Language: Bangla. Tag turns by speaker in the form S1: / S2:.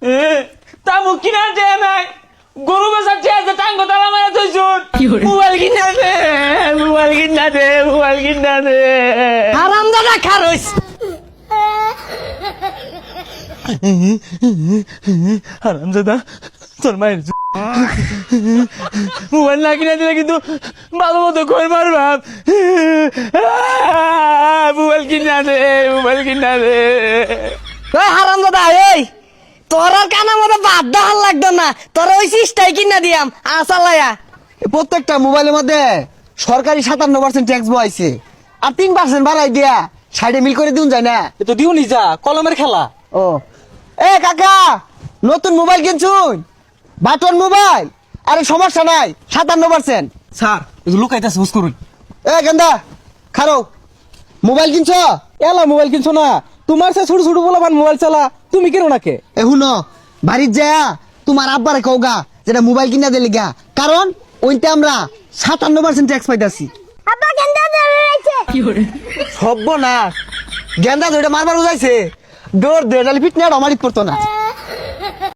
S1: তা মুখ কিনা দে নাই গরু বেচার চেয়ে টাঙ্গ তালা মারা থইছুন মোবাইল কিনা দে মোবাইল কিনা দে মোবাইল কিনা দে
S2: আরাম দাদা খারইস
S1: হারামজাদা তোর মায়ের মোবাইল না কিনা দিলে কিন্তু ভালো মতো কই মারবাম মোবাইল কিনা দে মোবাইল কিনা দে
S2: ওই হারাম দাদা এই তোর আর কানা মতো বাদ দেওয়ার লাগতো না তোর ওই সিস্টাই কিনা দিয়াম আসালায়া
S3: প্রত্যেকটা মোবাইলের মধ্যে সরকারি 57% ট্যাক্স বইছে আর 3% বাড়াই দিয়া সাইডে মিল করে দিউন যায় না।
S1: এ তো দিও নি যা কলমের খেলা।
S3: ও এ কাকা নতুন মোবাইল কিনছুন বাটন মোবাইল আরে সমস্যা নাই 57%।
S1: স্যার লুকাইতেছে হুস করুন।
S3: এ গেন্দা খারো মোবাইল কিনছ?
S1: এলা মোবাইল কিনছো না তোমার সে ছোট ছোট বলা মোবাইল চালা তুমি কেন নাকে
S3: এ হুনো বাড়ির যায়া তোমার আব্বারে কওগা যেটা মোবাইল কিনা দিলে গা কারণ ওইতে আমরা 57% ট্যাক্স পাইতাছি।
S2: আব্বা গেন্দা ধরেছে
S3: সব্য না গেন্দা ধরে মারবার বুঝাইছে দৌড় দে নালে ফিটনে আর আমারই পড়তো না।